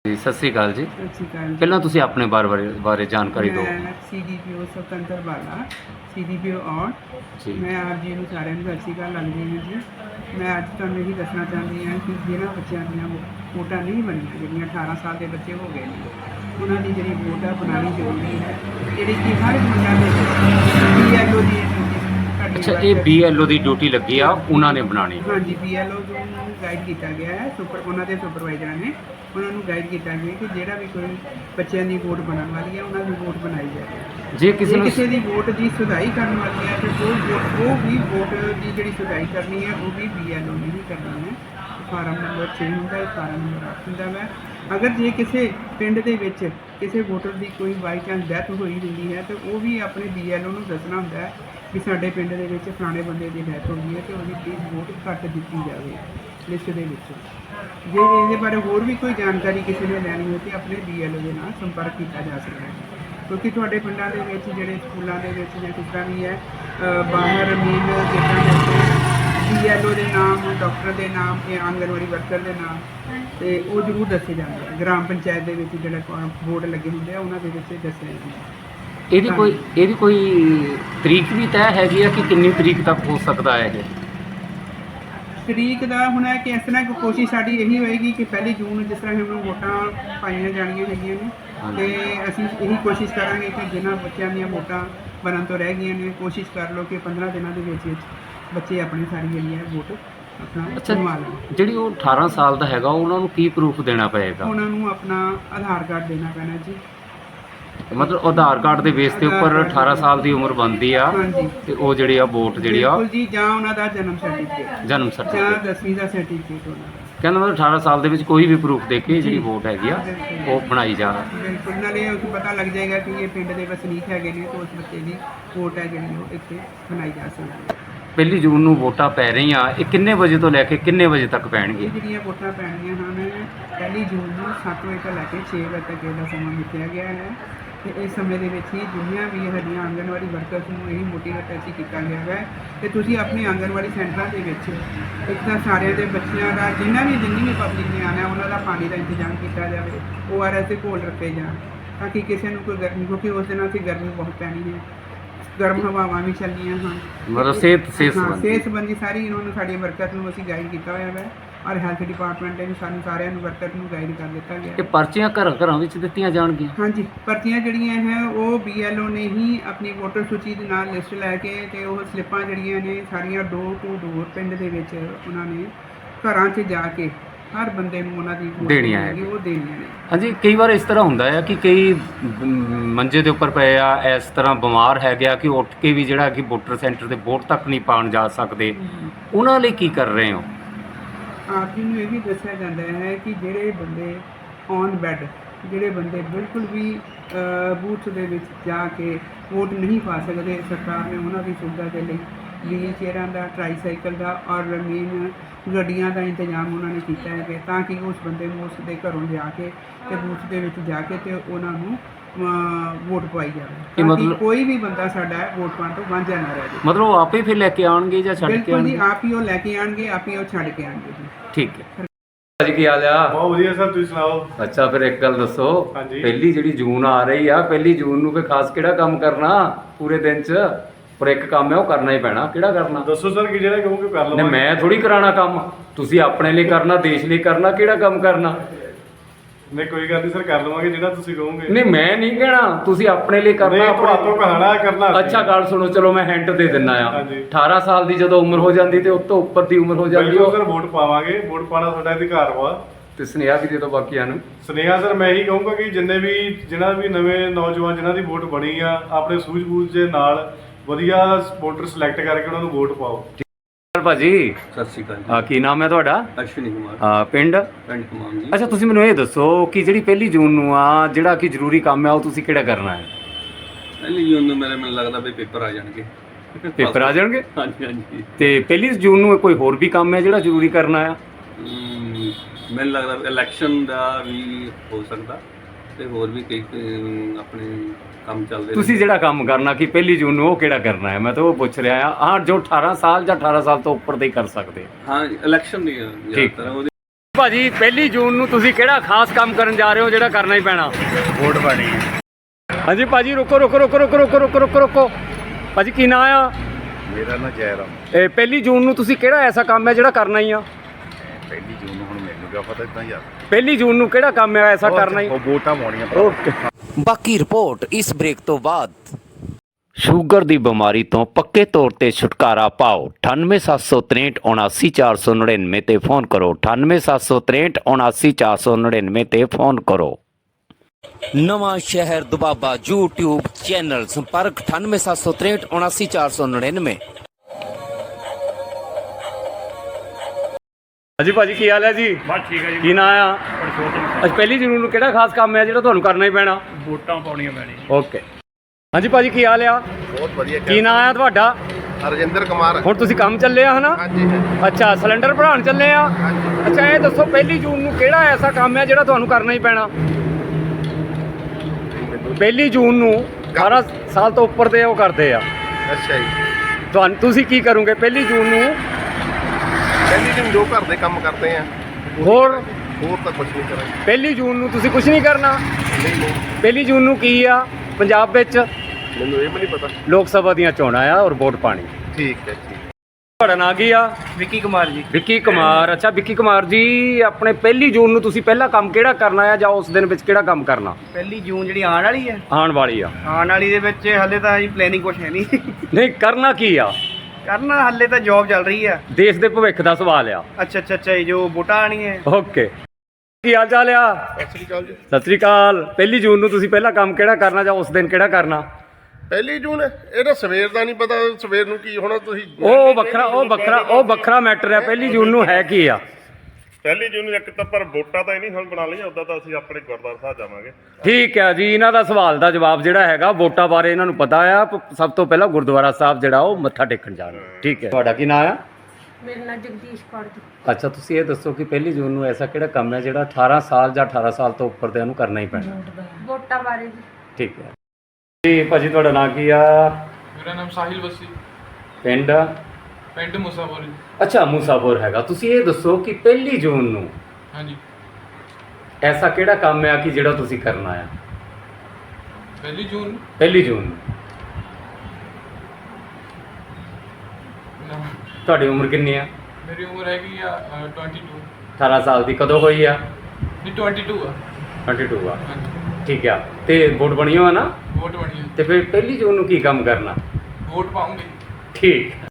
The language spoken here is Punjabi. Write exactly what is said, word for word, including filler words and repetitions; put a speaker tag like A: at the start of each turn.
A: ਜੀ ਸਤਿ ਸ੍ਰੀ ਅਕਾਲ ਜੀ।
B: ਸਤਿ ਸ਼੍ਰੀ ਅਕਾਲ ਜੀ।
A: ਪਹਿਲਾਂ ਤੁਸੀਂ ਆਪਣੇ ਬਾਰੇ ਬਾਰੇ ਬਾਰੇ ਜਾਣਕਾਰੀ ਦਿਓ।
B: ਮੈਂ ਸੀ ਡੀ ਪੀ ਓ ਸੁਤੰਤਰ ਬਾਲਾ, ਸੀ ਡੀ ਪੀ ਓ ਔਰ
A: ਜੀ
B: ਮੈਂ ਆਪ ਜੀ ਨੂੰ ਸਾਰਿਆਂ ਨੂੰ ਸਤਿ ਸ਼੍ਰੀ ਅਕਾਲ ਲੱਗਦੀ ਹਾਂ ਜੀ। ਮੈਂ ਅੱਜ ਤੁਹਾਨੂੰ ਇਹੀ ਦੱਸਣਾ ਚਾਹੁੰਦੀ ਹਾਂ ਕਿ ਜਿਹਨਾਂ ਬੱਚਿਆਂ ਦੀਆਂ ਵੋਟਾਂ ਨਹੀਂ ਬਣੀਆਂ, ਜਿਹੜੀਆਂ ਅਠਾਰਾਂ ਸਾਲ ਦੇ ਬੱਚੇ ਹੋ ਗਏ ਨੇ, ਉਹਨਾਂ ਦੀ ਜਿਹੜੀ ਵੋਟ ਆ ਬਣਾਉਣੀ ਜ਼ਰੂਰੀ ਹੈ, ਜਿਹੜੀ ਕਿ ਹਰ ਪਿੰਡਾਂ ਦੇ ਵਿੱਚ ਬੀ ਐਲ ਓ ਦੀ
A: ਅੱਛਾ, ਇਹ ਬੀ ਐਲ ਓ ਦੀ ਡਿਊਟੀ ਲੱਗੀ ਆ, ਉਹਨਾਂ ਨੇ ਬਣਾਉਣੀ।
B: ਹਾਂਜੀ, ਬੀ ਐਲ ਓ ਨੂੰ ਗਾਈਡ ਕੀਤਾ ਗਿਆ ਹੈ, ਸੁਪਰ ਉਹਨਾਂ ਦੇ ਸੁਪਰਵਾਈਜ਼ਰਾਂ ਨੇ ਉਹਨਾਂ ਨੂੰ ਗਾਈਡ ਕੀਤਾ ਗਿਆ ਕਿ ਜਿਹੜਾ ਵੀ ਕੋਈ ਬੱਚਿਆਂ ਦੀ ਵੋਟ ਬਣਨ ਵਾਲੀ ਹੈ, ਉਹਨਾਂ ਦੀ ਵੋਟ ਬਣਾਈ ਜਾਵੇ।
A: ਜੇ ਕਿਸੇ ਨੂੰ
B: ਕਿਸੇ ਦੀ ਵੋਟ ਦੀ ਸੁਧਾਈ ਕਰਨ ਵਾਲੀ ਹੈ, ਤੇ ਉਹ ਵੋਟ ਉਹ ਵੀ ਵੋਟ ਦੀ ਜਿਹੜੀ ਸੁਧਾਈ ਕਰਨੀ ਹੈ, ਉਹ ਵੀ ਬੀ ਐਲ ਓ ਨੇ ਹੀ ਕਰਨੀ ਹੈ। ਫਾਰਮ ਨੰਬਰ ਛੇ ਹੁੰਦਾ ਹੈ, ਫਾਰਮ ਨੰਬਰ ਅੱਠ ਹੁੰਦਾ ਹੈ। ਅਗਰ ਜੇ ਕਿਸੇ ਪਿੰਡ ਦੇ ਵਿੱਚ ਕਿਸੇ ਵੋਟਰ ਦੀ ਕੋਈ ਬਾਈ ਚਾਂਸ ਡੈਥ ਹੋਈ ਹੁੰਦੀ ਹੈ, ਤਾਂ ਉਹ ਵੀ ਆਪਣੇ ਬੀ ਐਲ ਓ ਨੂੰ ਦੱਸਣਾ ਹੁੰਦਾ ਹੈ ਕਿ ਸਾਡੇ ਪਿੰਡ ਦੇ ਵਿੱਚ ਫਲਾਣੇ ਬੰਦੇ ਦੀ ਡੈਥ ਹੋ ਗਈ ਹੈ, ਅਤੇ ਉਹਦੀ ਪਲੀਜ਼ ਵੋਟ ਘੱਟ ਦਿੱਤੀ ਜਾਵੇ ਲਿਸਟ ਦੇ ਵਿੱਚ। ਜੇ ਇਹਦੇ ਬਾਰੇ ਹੋਰ ਵੀ ਕੋਈ ਜਾਣਕਾਰੀ ਕਿਸੇ ਨੇ ਲੈਣੀ ਹੋਵੇ ਤਾਂ ਆਪਣੇ ਬੀ ਐਲ ਓ ਦੇ ਨਾਲ ਸੰਪਰਕ ਕੀਤਾ ਜਾ ਸਕਦਾ ਹੈ, ਕਿਉਂਕਿ ਤੁਹਾਡੇ ਪਿੰਡਾਂ ਦੇ ਵਿੱਚ ਜਿਹੜੇ ਸਕੂਲਾਂ ਦੇ ਵਿੱਚ ਜਾਂ ਕਿਸ ਤਰ੍ਹਾਂ ਵੀ ਹੈ, ਬਾਹਰ ਮੇਨ ਗੇਟਾਂ ਦੇ ਉੱਤੇ ਬੀ ਐਲ ਓ ਦੇ ਨਾਮ, ਡਾਕਟਰ ਦੇ ਨਾਮ, ਜਾਂ ਆਂਗਨਵਾੜੀ ਵਰਕਰ ਦੇ ਨਾਮ, ਅਤੇ ਉਹ ਜ਼ਰੂਰ ਦੱਸੇ ਜਾਂਦੇ ਆ। ਗ੍ਰਾਮ ਪੰਚਾਇਤ ਦੇ ਵਿੱਚ ਜਿਹੜਾ ਬੋਰਡ ਲੱਗੇ ਹੁੰਦੇ ਆ, ਉਹਨਾਂ ਦੇ ਵਿੱਚ ਦੱਸਿਆ ਜਾਂਦਾ।
A: ਇਹਦੀ ਕੋਈ ਇਹਦੀ ਕੋਈ ਤਰੀਕ ਵੀ ਤੈਅ ਹੈਗੀ ਆ ਕਿ ਕਿੰਨੀ ਤਰੀਕ ਤੱਕ ਹੋ ਸਕਦਾ ਹੈ ਇਹ?
B: ਤਰੀਕ ਦਾ ਹੁਣ ਹੈ ਕਿ ਇਸ ਤਰ੍ਹਾਂ ਕੋਸ਼ਿਸ਼ ਸਾਡੀ ਇਹੀ ਹੋਏਗੀ ਕਿ ਪਹਿਲੀ ਜੂਨ ਨੂੰ ਜਿਸ ਤਰ੍ਹਾਂ ਹੁਣ ਵੋਟਾਂ ਪਾਈਆਂ ਜਾਣੀਆਂ ਹੈਗੀਆਂ ਨੇ, ਅਤੇ ਅਸੀਂ ਇਹੀ ਕੋਸ਼ਿਸ਼ ਕਰਾਂਗੇ ਕਿ ਜਿਨ੍ਹਾਂ ਬੱਚਿਆਂ ਦੀਆਂ ਵੋਟਾਂ ਬਣਨ ਤੋਂ ਰਹਿ ਗਈਆਂ ਨੇ, ਕੋਸ਼ਿਸ਼ ਕਰ ਲਓ ਕਿ ਪੰਦਰਾਂ ਦਿਨਾਂ ਦੇ ਵਿੱਚ ਵਿੱਚ ਬੱਚੇ ਆਪਣੀ ਸਾਰੀ ਜਿਹੜੀ ਹੈ ਵੋਟ ਆਪਣਾ ਬਣਵਾ ਲੈਣ।
A: ਜਿਹੜੀ ਉਹ ਅਠਾਰਾਂ ਸਾਲ ਦਾ ਹੈਗਾ, ਉਹਨਾਂ ਨੂੰ ਕੀ ਪ੍ਰੂਫ ਦੇਣਾ ਪਏਗਾ?
B: ਉਹਨਾਂ ਨੂੰ ਆਪਣਾ ਆਧਾਰ ਕਾਰਡ ਦੇਣਾ ਪੈਣਾ ਜੀ।
A: ਮਤਲਬ ਆਧਾਰ ਕਾਰਡ ਦੇ ਬੇਸ ਦੇ ਉੱਪਰ ਅਠਾਰਾਂ ਸਾਲ ਦੀ ਉਮਰ ਬਣਦੀ ਆ,
B: ਹਾਂਜੀ,
A: ਤੇ ਉਹ ਜਿਹੜੀ ਆ ਵੋਟ ਜਿਹੜੀ ਆ
B: ਬਿਲਕੁਲ ਜੀ, ਜਾਂ ਉਹਨਾਂ ਦਾ ਜਨਮ ਸਰਟੀਫਿਕੇਟ,
A: ਜਨਮ
B: ਜਾਂ
A: ਸਰਟੀਫਿਕੇਟ,
B: ਦਸਵੀਂ ਦਾ ਸਰਟੀਫਿਕੇਟ ਉਹਨਾਂ ਦਾ।
A: ਕਹਿੰਦਾ ਮਤਲਬ ਅਠਾਰਾਂ ਸਾਲ ਦੇ ਵਿੱਚ ਕੋਈ ਵੀ ਪ੍ਰੂਫ ਦੇ ਕੇ ਜਿਹੜੀ ਵੋਟ ਹੈਗੀ ਆ ਉਹ ਬਣਾਈ ਜਾ।
B: ਬਿਲਕੁਲ, ਨਾਲੇ ਉਸ ਪਤਾ ਲੱਗ ਜਾਏਗਾ ਕਿ ਇਹ ਪਿੰਡ ਦੇ ਵਸਨੀਕ ਹੈਗੇ ਨੇ, ਤਾਂ ਉਸ ਬੱਚੇ ਦੀ ਵੋਟ ਹੈ ਜਿਹੜੀ ਉਹ ਇੱਥੇ ਬਣਾਈ ਜਾ ਸਕਦੀ ਹੈ।
A: ਪਹਿਲੀ ਜੂਨ ਨੂੰ ਵੋਟਾਂ ਪੈ ਰਹੀਆਂ, ਇਹ ਕਿੰਨੇ ਵਜੇ ਤੋਂ ਲੈ ਕੇ ਕਿੰਨੇ ਵਜੇ ਤੱਕ ਪੈਣਗੇ?
B: ਇਹ ਜਿਹੜੀਆਂ ਵੋਟਾਂ ਪੈਣੀਆਂ ਹਨ, ਪਹਿਲੀ ਜੂਨ ਨੂੰ ਸੱਤ ਵਜੇ ਤੋਂ ਲੈ ਕੇ ਛੇ ਵਜੇ ਤੱਕ ਇਹਦਾ ਸਮਾਂ ਦਿੱਤਾ ਗਿਆ ਹੈ, ਅਤੇ ਇਸ ਸਮੇਂ ਦੇ ਵਿੱਚ ਹੀ ਜਿੰਨੀਆਂ ਵੀ ਸਾਡੀਆਂ ਆਂਗਨਵਾੜੀ ਵਰਕਰਸ ਨੂੰ ਇਹ ਮੋਟੀਵੇਟ ਅਸੀਂ ਕੀਤਾ ਗਿਆ ਹੈ ਕਿ ਤੁਸੀਂ ਆਪਣੇ ਆਂਗਨਵਾੜੀ ਸੈਂਟਰਾਂ ਦੇ ਵਿੱਚ ਇੱਕ ਤਾਂ ਸਾਰਿਆਂ ਦੇ ਬੱਚਿਆਂ ਦਾ, ਜਿੰਨਾ ਵੀ ਜਿੰਨੀ ਵੀ ਪਬਲਿਕ ਨੇ ਆਉਣਾ, ਉਹਨਾਂ ਦਾ ਪਾਣੀ ਦਾ ਇੰਤਜ਼ਾਮ ਕੀਤਾ ਜਾਵੇ, ਓ ਆਰ ਐਸ ਦੇ ਘੋਲ ਰੱਖੇ ਜਾਣ, ਤਾਂ ਕਿ ਕਿਸੇ ਨੂੰ ਕੋਈ ਗਰਮੀ, ਕਿਉਂਕਿ ਉਸ ਦਿਨਾਂ 'ਤੇ ਗਰਮੀ ਬਹੁਤ ਪੈਣੀ ਹੈ, ਗਰਮ ਹਵਾਵਾਂ ਵੀ ਚੱਲਣੀਆਂ ਹਨ।
A: ਮਤਲਬ ਸਿਹਤ ਸਿਹਤ
B: ਹਾਂ,
A: ਸੰਬੰਧੀ
B: ਸਿਹਤ ਸੰਬੰਧੀ ਸਾਰੀ ਇਹਨਾਂ ਨੂੰ ਸਾਡੀਆਂ ਵਰਕਰਸ ਨੂੰ ਅਸੀਂ ਗਾਈਡ ਕੀਤਾ ਹੋਇਆ ਹੈ, ਔਰ ਹੈਲਥ ਡਿਪਾਰਟਮੈਂਟ ਨੇ ਸਾਨੂੰ ਸਾਰਿਆਂ ਨੂੰ ਵਰਕਰਸ ਨੂੰ ਗਾਈਡ ਕਰ ਦਿੱਤਾ ਗਿਆ।
A: ਇਹ ਪਰਚੀਆਂ ਘਰਾਂ ਘਰਾਂ ਵਿੱਚ ਦਿੱਤੀਆਂ ਜਾਣਗੀਆਂ?
B: ਹਾਂਜੀ, ਪਰਚੀਆਂ ਜਿਹੜੀਆਂ ਹੈ ਉਹ ਬੀ ਐਲ ਓ ਨੇ ਹੀ ਆਪਣੀ ਵੋਟਰ ਸੂਚੀ ਦੇ ਨਾਲ ਲਿਸਟ ਲੈ ਕੇ, ਅਤੇ ਉਹ ਸਲਿੱਪਾਂ ਜਿਹੜੀਆਂ ਨੇ ਸਾਰੀਆਂ ਡੋਰ ਟੂ ਡੋਰ ਪਿੰਡ ਦੇ ਵਿੱਚ ਉਹਨਾਂ ਨੇ ਘਰਾਂ 'ਚ ਜਾ ਕੇ ਹਰ ਬੰਦੇ ਨੂੰ ਉਹਨਾਂ ਦੀ ਵੋਟ
A: ਦੇਣੀਆਂ
B: ਹੈਗੀ ਉਹ ਦੇਣੀਆਂ ਨੇ।
A: ਹਾਂਜੀ, ਕਈ ਵਾਰ ਇਸ ਤਰ੍ਹਾਂ ਹੁੰਦਾ ਹੈ ਕਿ ਕਈ ਮੰਜੇ ਦੇ ਉੱਪਰ ਪਏ ਆ, ਇਸ ਤਰ੍ਹਾਂ ਬਿਮਾਰ ਹੈ ਗਿਆ ਕਿ ਉੱਠ ਕੇ ਵੀ ਜਿਹੜਾ ਕਿ ਵੋਟਰ ਸੈਂਟਰ ਤੇ ਵੋਟ ਤੱਕ ਨਹੀਂ ਪਾਉਣ ਜਾ ਸਕਦੇ, ਉਹਨਾਂ ਲਈ ਕੀ ਕਰ ਰਹੇ ਹੋ?
B: ਆਪ ਜੀ ਨੂੰ ਇਹ ਵੀ ਦੱਸਿਆ ਜਾਂਦਾ ਹੈ ਕਿ ਜਿਹੜੇ ਬੰਦੇ ਔਨ ਬੈੱਡ, ਜਿਹੜੇ ਬੰਦੇ ਬਿਲਕੁਲ ਵੀ ਬੂਥ ਦੇ ਵਿੱਚ ਜਾ ਕੇ ਵੋਟ ਨਹੀਂ ਪਾ ਸਕਦੇ, ਸਰਕਾਰ ਨੇ ਉਹਨਾਂ ਦੀ ਸੁਵਿਧਾ ਦੇ ਲਈ ਵੀਲ ਚੇਅਰਾਂ ਦਾ, ਟਰਾਈਸਾਈਕਲ ਦਾ ਔਰ ਮੇਨ ਗੱਡੀਆਂ ਦਾ ਇੰਤਜ਼ਾਮ ਉਹਨਾਂ ਨੇ ਕੀਤਾ ਹੈ, ਕਿ ਤਾਂ ਕਿ ਉਸ ਬੰਦੇ ਨੂੰ ਉਸ ਦੇ ਘਰੋਂ ਜਾ ਕੇ ਅਤੇ ਬੂਥ ਦੇ ਵਿੱਚ ਜਾ ਕੇ ਅਤੇ ਉਹਨਾਂ ਨੂੰ ਵੋਟ ਪਾਈ ਜਾਵੇ, ਤਾਂ ਕਿ ਕੋਈ ਵੀ ਬੰਦਾ ਸਾਡਾ ਵੋਟ ਪਾਉਣ ਤੋਂ ਵਾਂਝਾ ਨਾ ਰਹਿ ਜਾਵੇ।
A: ਮਤਲਬ ਉਹ ਆਪੇ ਫਿਰ ਲੈ ਕੇ ਆਉਣਗੇ ਜਾਂ ਛੱਡ ਕੇ
B: ਬਿਲਕੁਲ
A: ਆਉਣਗੇ?
B: ਜੀ, ਆਪ ਹੀ ਉਹ ਲੈ ਕੇ ਆਉਣਗੇ, ਆਪ ਹੀ ਉਹ ਛੱਡ ਕੇ ਆਉਣਗੇ ਜੀ।
A: ਠੀਕ ਹੈ ਜੀ, ਕੀ ਹਾਲ ਆ?
C: ਬਹੁਤ ਵਧੀਆ ਸਰ, ਤੁਸੀਂ ਸੁਣਾਓ?
A: ਅੱਛਾ, ਫਿਰ ਇੱਕ ਗੱਲ ਦੱਸੋ,
C: ਹਾਂਜੀ।
A: ਪਹਿਲੀ ਜਿਹੜੀ ਜੂਨ ਆ ਰਹੀ ਆ, ਪਹਿਲੀ ਜੂਨ ਨੂੰ ਕੋਈ ਖਾਸ ਕਿਹੜਾ ਕੰਮ ਕਰਨਾ ਪੂਰੇ ਦਿਨ 'ਚ? ਪਰ ਇੱਕ ਕੰਮ ਹੈ ਉਹ ਕਰਨਾ ਹੀ ਪੈਣਾ, ਕਿਹੜਾ ਕਰਨਾ?
C: ਦੱਸੋ ਸਰ, ਕਿ ਜਿਹੜਾ ਕਹੋਗੇ ਕਰ ਲਵਾਂਗੇ।
A: ਨਹੀਂ, ਮੈਂ ਥੋੜੀ ਕਰਾਣਾ ਕੰਮ, ਤੁਸੀਂ ਆਪਣੇ ਲਈ ਕਰਨਾ, ਦੇਸ਼ ਲਈ ਕਰਨਾ, ਕਿਹੜਾ ਕੰਮ ਕਰਨਾ?
C: ਨਹੀਂ ਕੋਈ ਗੱਲ ਨਹੀਂ ਸਰ, ਕਰ ਲਵਾਂਗੇ ਜਿਹੜਾ ਤੁਸੀਂ ਕਹੋਗੇ।
A: ਨਹੀਂ, ਮੈਂ ਨਹੀਂ ਕਹਿਣਾ, ਤੁਸੀਂ ਆਪਣੇ ਲਈ ਕਰਨਾ,
C: ਨਹੀਂ,
A: ਆਪਣੇ
C: ਤੁਹਾਤੋਂ ਕਹਾਣਾ ਕਰਨਾ।
A: ਅੱਛਾ, ਗੱਲ ਸੁਣੋ, ਚਲੋ ਮੈਂ ਹਿੰਟ ਦੇ ਦਿੰਦਾ ਆ।
C: ਹਾਂਜੀ।
A: ਅਠਾਰਾਂ ਸਾਲ ਦੀ ਜਦੋਂ ਉਮਰ ਹੋ ਜਾਂਦੀ ਤੇ ਉਸ ਤੋਂ ਉੱਪਰ ਦੀ ਉਮਰ ਹੋ ਜਾਂਦੀ,
C: ਬਿਲਕੁਲ
A: ਉਹ
C: ਸਰ, ਵੋਟ ਪਾਵਾਂਗੇ, ਵੋਟ ਪਾਣਾ ਸਾਡਾ ਅਧਿਕਾਰ ਵਾ।
A: ਤੇ ਸੁਨੇਹਾ ਵੀ ਦੇ ਦਿਓ ਬਾਕੀਆਂ ਨੂੰ।
C: ਸੁਨੇਹਾ ਸਰ ਮੈਂ ਇਹੀ ਕਹੂੰਗਾ ਕਿ ਜਿੰਨੇ ਵੀ ਜਿਹਨਾਂ ਵੀ ਨਵੇਂ ਨੌਜਵਾਨ ਜਿਨ੍ਹਾਂ ਦੀ ਵੋਟ ਬਣੀ ਆ, ਆਪਣੇ ਸੂਝ-ਬੂਝ ਦੇ ਨਾਲ ਵਧੀਆ ਵੋਟਰ ਸਿਲੈਕਟ ਕਰਕੇ ਉਹਨਾਂ ਨੂੰ ਵੋਟ ਪਾਓ।
A: ਭਾਜੀ
D: ਸਤਿ ਸ਼੍ਰੀ ਅਕਾਲ
A: ਹਾਂ, ਕੀ ਨਾਮ ਹੈ ਤੁਹਾਡਾ?
D: ਅਸ਼ਵਨੀ ਕੁਮਾਰ,
A: ਹਾਂ, ਪਿੰਡ?
D: ਪਿੰਡ ਕਮਾਨ ਜੀ।
A: ਅੱਛਾ, ਤੁਸੀਂ ਮੈਨੂੰ ਇਹ ਦੱਸੋ ਕਿ ਜਿਹੜੀ ਪਹਿਲੀ ਜੂਨ ਨੂੰ ਆ, ਜਿਹੜਾ ਕਿ ਜ਼ਰੂਰੀ ਕੰਮ ਹੈ, ਉਹ ਤੁਸੀਂ ਕਿਹੜਾ ਕਰਨਾ ਹੈ?
D: ਪਹਿਲੀ ਜੂਨ ਨੂੰ ਮੇਰੇ ਮੈਨੂੰ ਲੱਗਦਾ ਵੀ ਪੇਪਰ ਆ ਜਾਣਗੇ।
A: ਪੇਪਰ ਆ ਜਾਣਗੇ?
D: ਹਾਂਜੀ ਹਾਂਜੀ।
A: ਤੇ ਪਹਿਲੀ ਜੂਨ ਨੂੰ ਕੋਈ ਹੋਰ ਵੀ ਕੰਮ ਹੈ ਜਿਹੜਾ ਜ਼ਰੂਰੀ ਕਰਨਾ ਆ?
D: ਅਮ, ਮੈਨੂੰ ਲੱਗਦਾ ਇਲੈਕਸ਼ਨ ਦਾ ਵੀ ਹੋ ਸਕਦਾ, ਤੇ ਹੋਰ ਵੀ ਕਈ ਅਮ, ਆਪਣੇ ਕੰਮ ਚੱਲਦੇ।
A: ਤੁਸੀਂ ਜਿਹੜਾ ਕੰਮ ਕਰਨਾ ਕਿ ਪਹਿਲੀ ਜੂਨ ਨੂੰ, ਉਹ ਕਿਹੜਾ ਕਰਨਾ ਹੈ? ਮੈਂ ਤਾਂ ਉਹ ਪੁੱਛ ਰਿਹਾ ਆ। ਹਾਂ, ਜੋ ਅਠਾਰਾਂ ਸਾਲ ਜਾਂ ਅਠਾਰਾਂ ਸਾਲ ਤੋਂ ਉੱਪਰ ਦੇ ਹੀ ਕਰ ਸਕਦੇ।
D: ਹਾਂ, ਇਲੈਕਸ਼ਨ ਦੀ ਜ਼ਿਆਦਾਤਰ ਉਹਦੇ
A: ਭਾਜੀ ਪਹਿਲੀ ਜੂਨ ਨੂੰ ਤੁਸੀਂ ਕਿਹੜਾ ਖਾਸ ਕੰਮ ਕਰਨ ਜਾ ਰਹੇ ਹੋ ਜਿਹੜਾ ਕਰਨਾ ਹੀ ਪੈਣਾ?
C: ਵੋਟ ਪਾਣੀ ਹੈ।
A: ਹਾਂਜੀ ਭਾਜੀ ਰੁਕੋ ਰੁਕੋ ਰੁਕੋ ਰੁਕੋ ਰੁਕੋ ਰੁਕੋ ਰੁਕੋ ਰੁਕੋ ਭਾਜੀ ਕੀ ਨਾਂ ਆ?
C: ਮੇਰਾ ਨਾਂ ਜੈਰਾਮ।
A: ਇਹ ਪਹਿਲੀ ਜੂਨ ਨੂੰ ਤੁਸੀਂ ਕਿਹੜਾ ਐਸਾ ਕੰਮ ਹੈ ਜਿਹੜਾ ਕਰਨਾ ਹੀ ਆ?
C: ਪਹਿਲੀ ਜੂਨ ਨੂੰ ਹੁਣ ਮੈਨੂੰ ਕਿਆ ਪਤਾ ਇਦਾਂ ਯਾਰ।
A: ਪਹਿਲੀ ਜੂਨ ਨੂੰ ਕਿਹੜਾ ਕੰਮ ਹੈ ਐਸਾ ਕਰਨਾ ਹੀ?
C: ਉਹ ਵੋਟਾਂ ਪਾਉਣੀਆਂ।
A: ਓਕੇ।
E: ਬਾਕੀ ਰਿਪੋਰਟ ਇਸ ਬ੍ਰੇਕ ਤੋਂ ਬਾਅਦ।
A: ਸ਼ੂਗਰ ਦੀ ਬਿਮਾਰੀ ਤੋਂ ਪੱਕੇ ਤੌਰ ਤੇ ਛੁਟਕਾਰਾ ਪਾਓ। ਅਠਾਨਵੇਂ ਸੱਤ ਸੌ ਤਰੇਹਠ ਉਨਾਸੀ ਚਾਰ ਸੌ ਨੜਿਨਵੇਂ ਤੇ ਫੋਨ ਕਰੋ। ਅਠਾਨਵੇਂ ਸੱਤ ਸੌ ਤਰੇਹਠ ਉਨਾਸੀ ਚਾਰ ਸੌ ਨੜਿਨਵੇਂ ਤੇ ਫੋਨ ਕਰੋ।
E: ਨਵਾਂ ਸ਼ਹਿਰ ਦੁਬਾਬਾ YouTube ਚੈਨਲ ਸੰਪਰਕ ਅਠਾਨਵੇਂ ਸੱਤ ਸੌ ਤਰੇਹਠ ਉਨਾਸੀ ਚਾਰ ਸੌ ਨੜਿਨਵੇਂ।
A: ਹਾਂਜੀ ਭਾਜੀ ਕੀ ਹਾਲ ਹੈ ਜੀ?
C: ਬਸ ਠੀਕ ਹੈ ਜੀ।
A: ਕੀ ਨਾਂ ਆ? ਅੱਜ ਪਹਿਲੀ ਜੂਨ ਨੂੰ ਕਿਹੜਾ ਖਾਸ ਕੰਮ ਹੈ ਜਿਹੜਾ ਤੁਹਾਨੂੰ ਕਰਨਾ ਹੀ ਪੈਣਾ?
C: ਵੋਟਾਂ ਪਾਉਣੀਆਂ ਪੈਣੀਆਂ।
A: ਓਕੇ। ਹਾਂਜੀ ਭਾਜੀ ਕੀ ਹਾਲ ਆ?
F: ਬਹੁਤ ਵਧੀਆ।
A: ਕੀ ਨਾਂ ਆ ਤੁਹਾਡਾ?
F: ਰਜਿੰਦਰ ਕੁਮਾਰ।
A: ਹੁਣ ਤੁਸੀਂ ਕੰਮ ਚੱਲੇ ਆ ਹਨਾ?
F: ਹਾਂਜੀ ਹਾਂਜੀ
A: ਅੱਛਾ ਸਿਲੰਡਰ ਭਰਾਉਣ ਚੱਲੇ ਆ? ਅੱਛਾ ਇਹ ਦੱਸੋ ਪਹਿਲੀ ਜੂਨ ਨੂੰ ਕਿਹੜਾ ਐਸਾ ਕੰਮ ਹੈ ਜਿਹੜਾ ਤੁਹਾਨੂੰ ਕਰਨਾ ਹੀ ਪੈਣਾ? ਪਹਿਲੀ ਜੂਨ ਨੂੰ ਅਠਾਰਾਂ ਸਾਲ ਤੋਂ ਉੱਪਰ ਦੇ ਉਹ ਕਰਦੇ ਆ।
F: ਅੱਛਾ ਜੀ।
A: ਤੁਹਾਨੂੰ ਤੁਸੀਂ ਕੀ ਕਰੋਗੇ ਪਹਿਲੀ ਜੂਨ ਨੂੰ?
F: ਪਹਿਲੀ ਦਿਨ ਜੋ ਘਰ ਦੇ ਕੰਮ ਕਰਦੇ ਆ,
A: ਹੋਰ
F: ਹੋਰ ਤਾਂ ਕੁਝ ਨਹੀਂ ਕਰਾਂਗੇ।
A: ਪਹਿਲੀ ਜੂਨ ਨੂੰ ਤੁਸੀਂ ਕੁਝ ਨਹੀਂ ਕਰਨਾ?
F: ਨਹੀਂ ਨਹੀਂ,
A: ਪਹਿਲੀ ਜੂਨ ਨੂੰ ਕੀ ਆ ਪੰਜਾਬ ਵਿੱਚ?
F: ਮੈਨੂੰ ਇਹ ਵੀ ਨਹੀਂ ਪਤਾ।
A: ਲੋਕ ਸਭਾ ਦੀਆਂ ਚੋਣਾਂ ਆ ਔਰ ਵੋਟ ਪਾਣੀ।
F: ਠੀਕ ਹੈ ਠੀਕ।
A: ਤੁਹਾਡਾ ਨਾਂ ਕੀ ਆ?
B: ਵਿੱਕੀ ਕੁਮਾਰ ਜੀ।
A: ਵਿੱਕੀ ਕੁਮਾਰ। ਅੱਛਾ ਵਿੱਕੀ ਕੁਮਾਰ ਜੀ ਆਪਣੇ ਪਹਿਲੀ ਜੂਨ ਨੂੰ ਤੁਸੀਂ ਪਹਿਲਾ ਕੰਮ ਕਿਹੜਾ ਕਰਨਾ ਆ ਜਾਂ ਉਸ ਦਿਨ ਵਿੱਚ ਕਿਹੜਾ ਕੰਮ ਕਰਨਾ?
B: ਪਹਿਲੀ ਜੂਨ ਜਿਹੜੀ ਆਉਣ ਵਾਲੀ ਹੈ,
A: ਆਉਣ ਵਾਲੀ ਆ।
B: ਆਉਣ ਵਾਲੀ ਦੇ ਵਿੱਚ ਹੱਲੇ ਤਾਂ ਜੀ ਪਲੈਨਿੰਗ ਕੁਛ ਹੈ ਨਹੀਂ।
A: ਨਹੀਂ ਕਰਨਾ ਕੀ ਆ?
B: ਕਰਨਾ ਹੱਲੇ ਤਾਂ ਜੌਬ ਚੱਲ ਰਹੀ ਆ।
A: ਦੇਸ਼ ਦੇ ਭਵਿੱਖ ਦਾ ਸਵਾਲ ਆ।
B: ਅੱਛਾ ਅੱਛਾ ਅੱਛਾ ਜੀ, ਜੋ ਵੋਟਾਂ ਆਣੀ ਹੈ।
A: ਓਕੇ। ਕੀ ਹਾਲ ਚਾਲ ਆ?
F: ਸਤਿ ਸ੍ਰੀ ਅਕਾਲ ਜੀ।
A: ਸਤਿ ਸ੍ਰੀ ਅਕਾਲ। ਪਹਿਲੀ ਜੂਨ ਨੂੰ ਤੁਸੀਂ ਪਹਿਲਾ ਕੰਮ ਕਿਹੜਾ ਕਰਨਾ ਜਾਂ ਉਸ ਦਿਨ ਕਿਹੜਾ ਕਰਨਾ?
F: ਪਹਿਲੀ ਜੂਨ ਇਹ ਤਾਂ ਸਵੇਰ ਦਾ ਨਹੀਂ ਪਤਾ, ਸਵੇਰ ਨੂੰ ਕੀ ਹੋਣਾ ਤੁਸੀਂ।
A: ਉਹ ਵੱਖਰਾ ਉਹ ਵੱਖਰਾ ਉਹ ਵੱਖਰਾ ਮੈਟਰ ਹੈ। ਪਹਿਲੀ ਜੂਨ ਨੂੰ ਹੈ ਕੀ ਆ?
G: ਪਹਿਲੀ ਜੂਨ ਨੂੰ ਇੱਕ ਤਾਂ ਪਰ ਵੋਟਾਂ ਤਾਂ ਇਹ ਨਹੀਂ ਹੁਣ ਬਣਾ ਲਈਆਂ, ਉਦਾਂ ਤਾਂ ਅਸੀਂ ਆਪਣੇ ਗੁਰਦੁਆਰਾ ਸਾਹਿਬ ਜਾਵਾਂਗੇ।
A: ਠੀਕ ਹੈ ਜੀ। ਇਹਨਾਂ ਦਾ ਸਵਾਲ ਦਾ ਜਵਾਬ ਜਿਹੜਾ ਹੈਗਾ ਵੋਟਾਂ ਬਾਰੇ ਇਹਨਾਂ ਨੂੰ ਪਤਾ ਆ। ਪ- ਸਭ ਤੋਂ ਪਹਿਲਾਂ ਗੁਰਦੁਆਰਾ ਸਾਹਿਬ ਜਿਹੜਾ ਉਹ ਮੱਥਾ ਟੇਕਣ ਜਾਣਾ। ਠੀਕ ਹੈ। ਤੁਹਾਡਾ ਕੀ ਨਾਮ ਆ?
H: ਮੇਰਾ ਨਾਂ ਜਗਦੀਸ਼ ਕੌਰ ਜੀ।
A: ਅੱਛਾ ਤੁਸੀਂ ਇਹ ਦੱਸੋ ਕਿ ਪਹਿਲੀ ਜੂਨ ਨੂੰ ਐਸਾ ਕਿਹੜਾ ਕੰਮ ਹੈ ਜਿਹੜਾ ਅਠਾਰਾਂ ਸਾਲ ਜਾਂ ਅਠਾਰਾਂ ਸਾਲ ਤੋਂ ਉੱਪਰ ਦੇ ਨੂੰ ਕਰਨਾ ਹੀ ਪੈਣਾ?
H: ਵੋਟਾਂ ਬਾਰੇ ਜੀ।
A: ਠੀਕ ਹੈ ਜੀ। ਭਾਜੀ ਤੁਹਾਡਾ ਨਾਂ ਕੀ ਆ?
I: ਮੇਰਾ ਨਾਮ ਸਾਹਿਲ ਵਸੀ,
A: ਪਿੰਡ?
I: ਪਿੰਡ ਮੁਸਾਫਰ ਜੀ।
A: ਅੱਛਾ ਮੂਸਾਪੁਰ ਹੈਗਾ। ਤੁਸੀਂ ਇਹ ਦੱਸੋ ਕਿ ਪਹਿਲੀ ਜੂਨ ਨੂੰ
I: ਹਾਂਜੀ
A: ਐਸਾ ਕਿਹੜਾ ਕੰਮ ਹੈ ਕਿ ਜਿਹੜਾ ਤੁਸੀਂ ਕਰਨਾ ਆ
I: ਪਹਿਲੀ ਜੂਨ
A: ਪਹਿਲੀ ਜੂਨ ਨੂੰ?
I: ਨਾ,
A: ਤੁਹਾਡੀ ਉਮਰ ਕਿੰਨੀ ਆ?
I: ਮੇਰੀ ਉਮਰ ਹੈਗੀ ਆ ਬਾਈ
A: ਅਠਾਰਾਂ ਸਾਲ ਦੀ। ਕਦੋਂ ਹੋਈ ਆ?
I: ਨਹੀਂ ਬਾਈ ਆ।
A: ਬਾਈ ਆ।
I: ਹਾਂਜੀ
A: ਠੀਕ ਆ। ਤੇ ਵੋਟ ਬਣੀ ਹੋ ਨਾ?
I: ਵੋਟ ਬਣੀ ਹੈ,
A: ਤੇ ਫਿਰ ਪਹਿਲੀ ਜੂਨ ਨੂੰ ਕੀ ਕੰਮ ਕਰਨਾ?
I: ਵੋਟ ਪਾਉਂਗੇ।
A: ਠੀਕ।